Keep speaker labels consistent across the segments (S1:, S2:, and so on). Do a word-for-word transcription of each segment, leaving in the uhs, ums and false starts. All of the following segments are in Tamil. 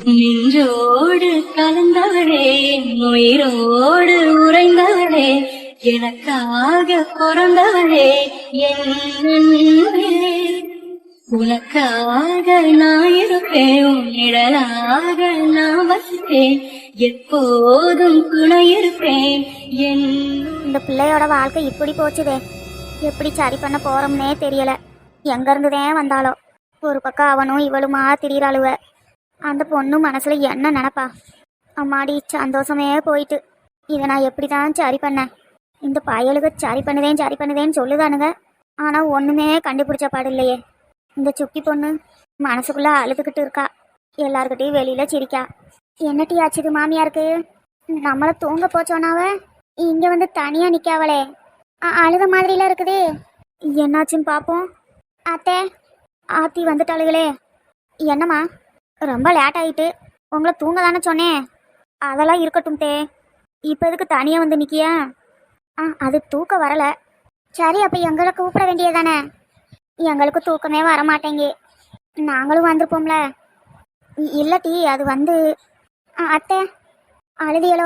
S1: நின்றோடு கலந்தவளே, உயிரோடு உறைந்தவளே, எனக்காக பிறந்தவளே என் அன்பே. உனக்காக நான் இருப்பேன், உன் நிழலாக நான் வசிப்பேன், எப்போதும் துணை இருப்பேன் என்.
S2: இந்த பிள்ளையோட வாழ்க்கை இப்படி போச்சுதே, எப்படி சரி பண்ண போறோம்னே தெரியல. எங்க இருந்துதான் வந்தாலோ, ஒரு பக்கம் அவனும் இவளுமா திரியிறாளுவ. அந்த பொண்ணு மனசுல என்ன நினப்பா? அம்மாடி சந்தோஷமே போயிட்டு இதை நான் எப்படி தான் சரி பண்ணேன்? இந்த பயலுக்கு சரி பண்ணுதேன் சரி பண்ணுதேன்னு சொல்லுதானுங்க, ஆனா ஒண்ணுமே கண்டுபிடிச்ச பாடு இல்லையே. இந்த சுக்கி பொண்ணு மனசுக்குள்ள அழுதுகிட்டு இருக்கா, எல்லாருக்கிட்டையும் வெளியில சிரிக்கா. என்னட்டி ஆச்சுது மாமியாருக்கு? நம்மள தூங்க போச்சோனாவ இங்க வந்து தனியா நிக்காவளே, அழுத மாதிரிலாம் இருக்குது. என்னாச்சுன்னு பாப்போம். அத்தை, ஆத்தி வந்துட்டாளுகளே. என்னம்மா ரொம்ப லேட் ஆயிட்டு? உங்களை தூங்க தானே சொன்னேன். அதெல்லாம் இருக்கட்டும் தே, இப்போ எதுக்கு தனியாக வந்து நிற்கியா? ஆ, அது தூக்கம் வரலை. சரி, அப்போ எங்களை கூப்பிட வேண்டியதானே? எங்களுக்கு தூக்கமே வரமாட்டேங்க, நாங்களும் வந்திருப்போம்ல. இல்லட்டி அது வந்து. அத்தை அழுதியலோ?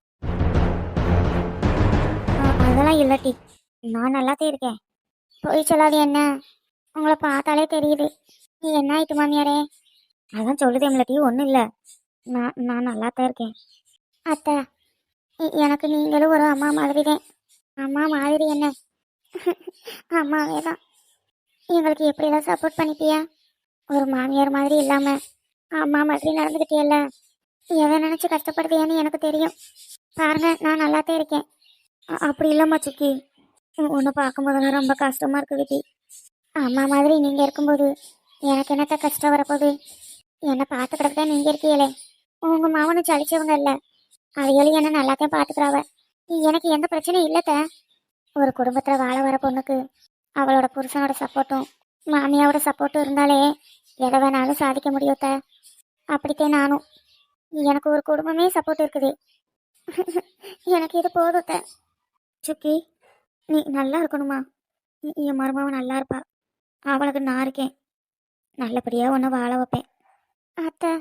S2: அதெல்லாம் இல்லட்டி, நான் நல்லாத்தே இருக்கேன். போய் சொல்லாது என்ன, உங்களை பார்த்தாலே தெரியுது. நீ என்ன ஆயிட்டு மாமியாரே? அதான் சொல்லுதேம்லட்டி, ஒன்றும் இல்லை, நான் நான் நல்லாத்தான் இருக்கேன். அத்தை, எனக்கு நீங்களும் ஒரு அம்மா மாதிரி தான். அம்மா மாதிரி என்ன, அம்மாவே தான். எங்களுக்கு எப்படியெல்லாம் சப்போர்ட் பண்ணிப்பியா? ஒரு மாமியார் மாதிரி இல்லாமல் அம்மா மாதிரி நடந்துக்கிட்டியல்ல. எதை நினச்சி கஷ்டப்படுதியான்னு எனக்கு தெரியும். பாருங்க, நான் நல்லாத்தான் இருக்கேன். அப்படி இல்லைம்மா சுக்கி, உன்னை பார்க்கும்போதெல்லாம் ரொம்ப கஷ்டமாக இருக்குது டி. அம்மா மாதிரி நீங்கள் இருக்கும்போது எனக்கு என்னத்த கஷ்டம் வரப்போகுது? என்னை பார்த்துக்கிறதுக்கே நீங்கள் இருக்கீங்களே. உங்கள் மாவனும் சளிச்சவங்க இல்லை, அவைகளும் என்ன நல்லாத்தான் பார்த்துக்கிறாவ. எனக்கு எந்த பிரச்சனையும் இல்லைத்த. ஒரு குடும்பத்தில் வாழ வர பொண்ணுக்கு அவளோட புருஷனோட சப்போர்ட்டும் மாமியாவோட சப்போர்ட்டும் இருந்தாலே எதை வேணாலும் சாதிக்க முடியுத்த. அப்படித்தான் நானும். எனக்கு ஒரு குடும்பமே சப்போர்ட் இருக்குது, எனக்கு இது போதுத்த. சுக்கி, நீ நல்லா இருக்கணுமா? என் மருமாவை நல்லா இருப்பா, அவளுக்கு நான் இருக்கேன். நல்லபடியாக ஒன்று வாழ வைப்பேன். அத்தை,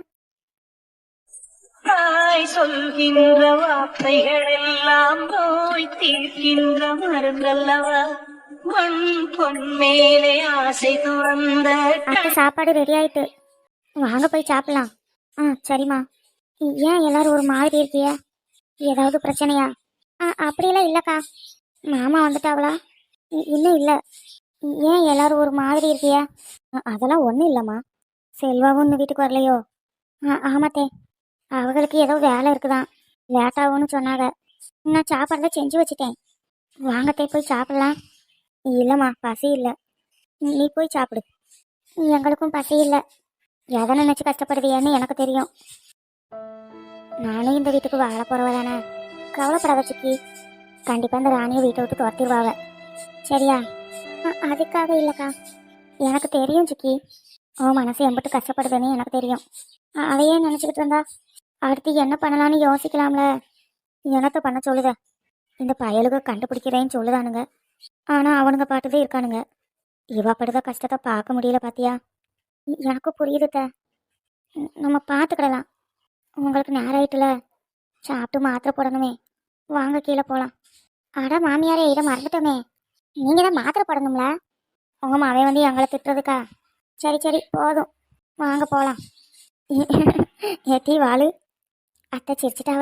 S1: தாய் சொல்கின்ற வார்த்தைகள் எல்லாம் நோய் தீர்க்கின்ற மருந்தல்லவா, மண் பொன் மேலே ஆசை துறந்த.
S2: அத்தை சாப்பாடு ரெடி ஆயிட்டு, வாங்க போய் சாப்பிடலாம். ஆ சரிம்மா. ஏன் எல்லாரும் ஒரு மாதிரி இருக்கிய? ஏதாவது பிரச்சனையா? ஆ அப்படியெல்லாம் இல்லைக்கா. மாமா வந்துட்டாவளா? இன்னும் இல்லை. ஏன் எல்லாரும் ஒரு மாதிரி இருக்கிய? அதெல்லாம் ஒன்றும் இல்லைம்மா. செல்வாவும் இந்த வீட்டுக்கு வரலையோ? ஆ ஆமாத்தே, அவங்களுக்கு ஏதோ வேலை இருக்குதான், லேட்டாகும்னு சொன்னாங்க. நான் சாப்பாடுதான் செஞ்சு வச்சுட்டேன், வாங்கத்தே போய் சாப்பிடலாம். இல்லைம்மா, பசி இல்லை, நீ போய் சாப்பிடு. எங்களுக்கும் பசி இல்லை. எதை நினச்சி கஷ்டப்படுவியன்னு எனக்கு தெரியும். நானும் இந்த வீட்டுக்கு வாழ போகிறவ தானே, கவலைப்படாத சுக்கி. கண்டிப்பாக இந்த ராணியை வீட்டை விட்டு துரத்திடுவாங்க, சரியா? அதுக்காக இல்லைக்கா, எனக்கு தெரியும் சுக்கி, உன் மனசு எம்பிட்டு கஷ்டப்படுதுன்னு எனக்கு தெரியும். அதையே நினச்சிக்கிட்டு இருந்தா அடுத்து என்ன பண்ணலான்னு யோசிக்கலாம்ல. என்னத்தை பண்ண சொல்லுத? இந்த பயலுக கண்டுபிடிக்கிறேன்னு சொல்லுதானுங்க, ஆனால் அவனுங்க பாட்டுதான் இருக்கானுங்க. இவா படுத கஷ்டத்தை பார்க்க முடியல பாத்தியா? எனக்கும் புரியுதுத்த, நம்ம பார்த்துக்கிடலாம். உங்களுக்கு நேரம் ஆயிட்டுல, சாப்பிட்டு மாத்திரை போடணுமே, வாங்க கீழே போகலாம். அட மாமியாரே, இதை மறந்துட்டோமே, நீங்கள் தான் மாத்திரை போடணும்ல. உங்கள் மாவே வந்து எங்களை திட்டுறதுக்கா? சரி சரி போதும், வாங்க போகலாம். ஏட்டி வாழு, அத்தை சிரிச்சிட்டாவ.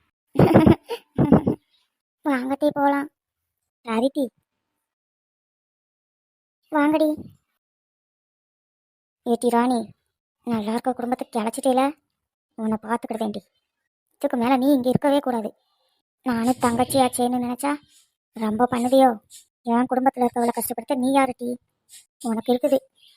S2: வாங்கட்டி போகலாம். சரிட்டி, வாங்கடி. ஏட்டி ராணி, நல்லா இருக்க குடும்பத்தை கிளச்சிட்டேல, உன்னை பார்த்துக்கிட்டேன்டி. இதுக்கு மேலே நீ இங்கே இருக்கவே கூடாது. நானும் தங்கச்சி ஆச்சேன்னு நினச்சா ரொம்ப பண்ணுதியோ? என் குடும்பத்தில் இருக்கவளை கஷ்டப்படுத்த நீ யாருட்டி? உனக்கு இருக்குது.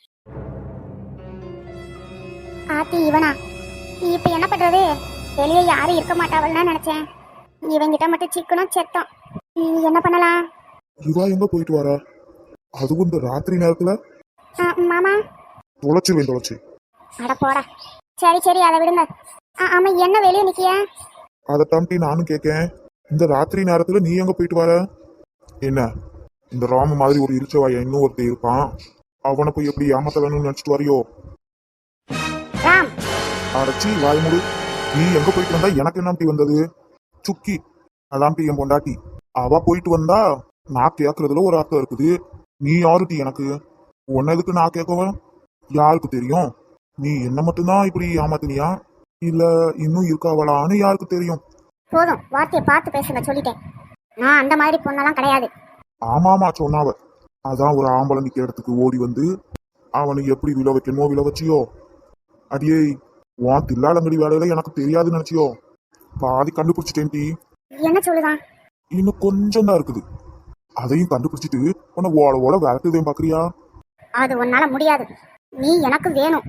S2: ஆத்தி இவனா? இப்போ என்ன பண்ணுறது? வெளியே யாரும் இருக்க மாட்டாவல்னா நினச்சேன், இவங்கிட்ட மட்டும் சிக்கனும் செத்தோம். நீ என்ன பண்ணலாம்?
S3: இவா எங்க போயிட்டு வரா? அதுவும் இந்த ராத்திரி நேரத்துல?
S2: மாமா
S3: தொலைச்சிருவேன், தொலைச்சு.
S2: அட போடா. சரி சரி, அதை விடுங்க. ஆமா, என்ன வெளியே நிக்கிய?
S3: அதைத்தாண்டி நானும் கேட்கேன், இந்த ராத்திரி நேரத்துல நீ எங்க போயிட்டு வர? என்ன, இந்த ராம மாதிரி ஒரு இருச்சவாய இன்னும் ஒருத்தர் இருப்பான், அவனை போய் எப்படி ஏமாத்த வேணும்னு நினைச்சிட்டு வரையோ?
S2: ராம்,
S3: அடைச்சி வாய் முடு. நீ எங்க போயிட்டு வந்தா எனக்கு என்ன டீ வந்தது? சுக்கி அதான் டீ என் பொண்டாட்டி. அவ போயிட்டு வந்தா நான் கேக்குறதுல ஒரு அர்த்தம் இருக்குது. நீ யாரு டீ எனக்கு? உன்ன எதுக்கு நான் கேட்கவன்? யாருக்கு தெரியும்? நீ என்ன மட்டும்தான் இப்படி ஏமாத்தினியா இல்ல இன்னும் இருக்காவலான்னு யாருக்கு தெரியும்?
S2: போதும், வார்த்தையை பார்த்து பேசுங்க, சொல்லிட்டேன். நான் அந்த மாதிரி பொண்ணெல்லாம் கிடையாது.
S3: ஆமாமா சொன்னாவ. அதான் ஒரு ஆம்பளை நிக்கிற இடத்துக்கு ஓடி வந்து அவனுக்கு எப்படி விழ வைக்கணுமோ விழ வச்சியோ. அடியே உன் தில்லாலங்கடி வேலையில எனக்கு தெரியாதுன்னு நினைச்சியோ? பாதி கண்டுபிடிச்சிட்டேன் டீ.
S2: என்ன சொல்லுதான்?
S3: இன்னும் கொஞ்சம் தான் இருக்குது. அதையும் கண்டுபிடிச்சிட்டு உன்னை ஓட ஓட விரட்டுதே பாக்குறியா?
S2: அது உன்னால முடியாது. நீ எனக்கு வேணும்.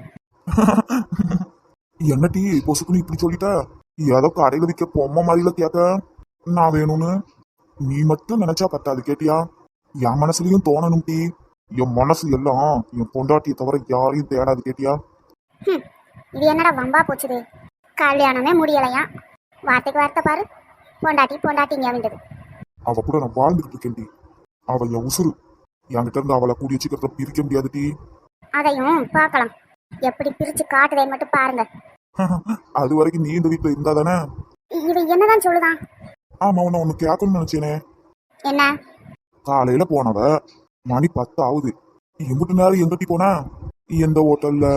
S3: என்ன டீ பொசுக்குன்னு இப்படி சொல்லிட்ட? ஏதோ கடையில விற்க பொம்மை மாதிரில கேட்க நான் வேணும்னு. நீ மட்டும் நினைச்சா பத்தாது கேட்டியா? என் மனசுலயும் தோணணும் டீ. என் மனசு எல்லாம் என் பொண்டாட்டியை தவிர யாரையும் தேடாது கேட்டியா?
S2: ஹம், இது என்னடா வம்பா போச்சுது? கல்யாணமே முடியலையா? வார்த்தைக்கு வார்த்தை பாரு. பொண்டாட்டி பொண்டாட்டிங்க வேண்டது.
S3: அவ கூட நான் வாழ்ந்துகிட்டு இருக்கேன் டீ. அவ என் உசுறு. என்கிட்ட இருந்து அவளை கூடிய சீக்கிரத்தை பிரிக்க முடியாது டீ.
S2: அதையும் பார்க்கலாம். எப்படி பிரிச்சு காட்டுதேன்னு மட்டும் பாருங்க.
S3: அது வரைக்கும் நீ இந்த வீட்டுல இருந்தா தானே?
S2: இது என்னதான் சொல்லுதான்?
S3: ஆமா, உன்னை ஒண்ணு கேட்கணும்னு நினைச்சேனே.
S2: என்ன?
S3: காலையில போனவ மணி பத்து ஆகுது. எம்பிட்டு நேரம் எங்கட்டி போன? எந்த ஹோட்டல்ல?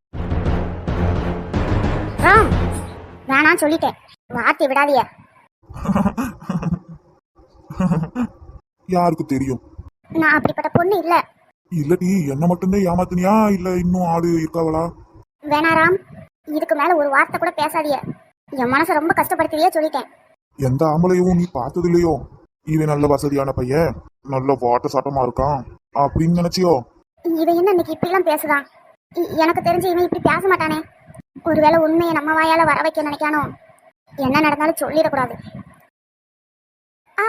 S2: ராம், வேணாம் சொல்லிட்டேன். வார்த்தை விடாதிய.
S3: யாருக்கு தெரியும்?
S2: நான் அப்படிப்பட்ட பொண்ணு இல்ல.
S3: இல்லடி, என்ன மட்டும்தான் ஏமாத்தினியா இல்ல இன்னும் ஆளு இருக்காவளா?
S2: வேணா ராம், இதுக்கு மேல ஒரு வார்த்தை கூட பேசாதிய. என் மனசை ரொம்ப கஷ்டப்படுத்தியே சொல்லிட்டேன்.
S3: எந்த ஆம்பளையும் நீ பார்த்தது இல்லையோ? இவன் நல்ல வசதியான பையன், நல்ல வாட்ட சாட்டமா இருக்கான் அப்படின்னு நினைச்சியோ?
S2: இவன் என்ன இன்னைக்கு இப்படி எல்லாம் பேசுதான்? இ- எனக்கு தெரிஞ்சு இவன் இப்படி பேச மாட்டானே. ஒருவேளை உண்மையை நம்ம வாயால வர வைக்க நினைக்கானோ? என்ன நடந்தாலும் சொல்லிடக்கூடாது. ஆ,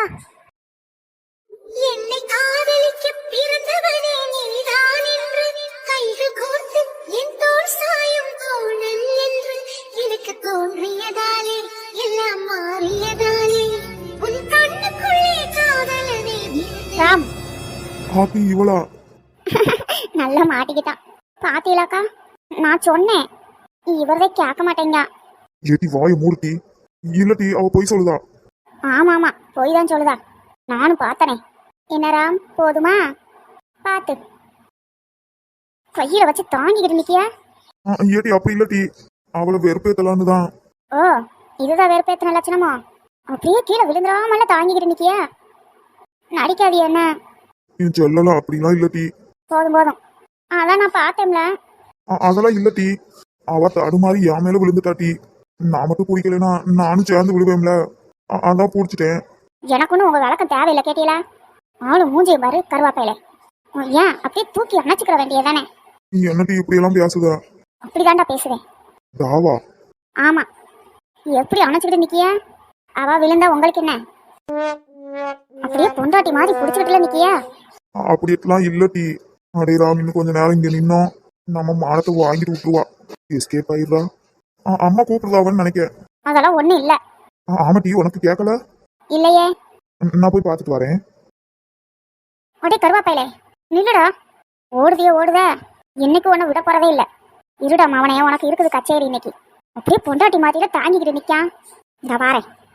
S4: என்னை காதலிக்க பிறந்தவனே நீதான் என்று கைகள் கோர்த்து என் தோள் சாயும் தோழன் என்று எனக்கு தோன்றியதாலே எல்லாம் மாறியதாலே உன் கண்ணுக்குள்ளே காதலனே
S2: ராம்
S3: ஹாப்பி இவளா?
S2: நல்லா மாட்டிக்கிட்டான். பாத்தீங்களாக்கா, நான் சொன்னேன் இவரதை கேட்க மாட்டேங்க.
S3: ஏட்டி வாய மூர்த்தி. இல்லட்டி அவ போய் சொல்லுதா?
S2: ஆமா ஆமா, போய் தான் சொல்லுதா. நானும் பார்த்தனே. என்ன ராம், போதுமா? பாத்து கையில வச்சு தாங்கிக்கிட்டு நிக்கியா?
S3: ஆ, ஏட்டி அப்படி இல்லட்டி அவளை வெறுப்பேத்தலான்னு தான்.
S2: ஓ, இதுதான் வெறுப்பேத்தின லட்சணமோ? அப்படியே கீழே விழுந்துடாமல தாங்கிக்கிட்டு நிக்கியா? நடிக்காது என்ன?
S3: என் செல்லலாம் அப்படிலாம் இல்லட்டி.
S2: போதும் போதும், அதான் நான் பார்த்தேன்ல.
S3: அ- அதெல்லாம் இல்லட்டி. அவ தடுமாறி என் மேல விழுந்துட்டாட்டி. நான் மட்டும் பிடிக்கலனா நானும் சேர்ந்து விழுவேன்ல. அ- அதான் பிடிச்சிட்டேன்.
S2: எனக்கு ஒன்றும் உங்க வழக்கம் தேவையில்லை கேட்டீங்களா? ஆளும் மூஞ்சியை பாரு கருவாப்பையில. உன் ஏன் அப்படியே தூக்கி அணைச்சிக்கிற வேண்டியதானே?
S3: நீ என்னட்டி இப்படி எல்லாம் பேசுதா?
S2: அப்படிதான்டா பேசுவேன்.
S3: தாவா?
S2: ஆமா, எப்படி அணைச்சிக்கிட்டு நிக்கியா? அவ விழுந்தா உங்களுக்கு என்ன? அப்படியே பொண்டாட்டி மாதிரி புடிச்சுக்கிட்டுல நிக்கியா?
S3: அ- அப்படியெல்லாம் இல்லட்டி. அடே ராம், இன்னும் கொஞ்ச நேரம் இங்க நின்னோம் நம்ம மானத்தை வாங்கிட்டு விட்டுருவா. எஸ்கேப் ஆயிடுறா. அ- அம்மா கூப்பிடுறாவன்னு நினைக்க.
S2: அதெல்லாம் ஒண்ணும் இல்ல.
S3: ஆ- ஆமா டி, உனக்கு கேட்கல?
S2: இல்லையே.
S3: ந- நான் போய் பார்த்துட்டு வரேன்.
S2: அப்படியே கருவாப்பையில நில்லுடா. ஓடுதியோ ஓடுத. இன்னைக்கு ஒண்ணு விட போறதே இல்ல. இருடா மவனே, உனக்கு இருக்குது கச்சேரி இன்னைக்கு. அப்படியே பொண்டாட்டி மாதிரில தாங்கிக்கிட்டு நிக்கான். இந்த வாரேன்.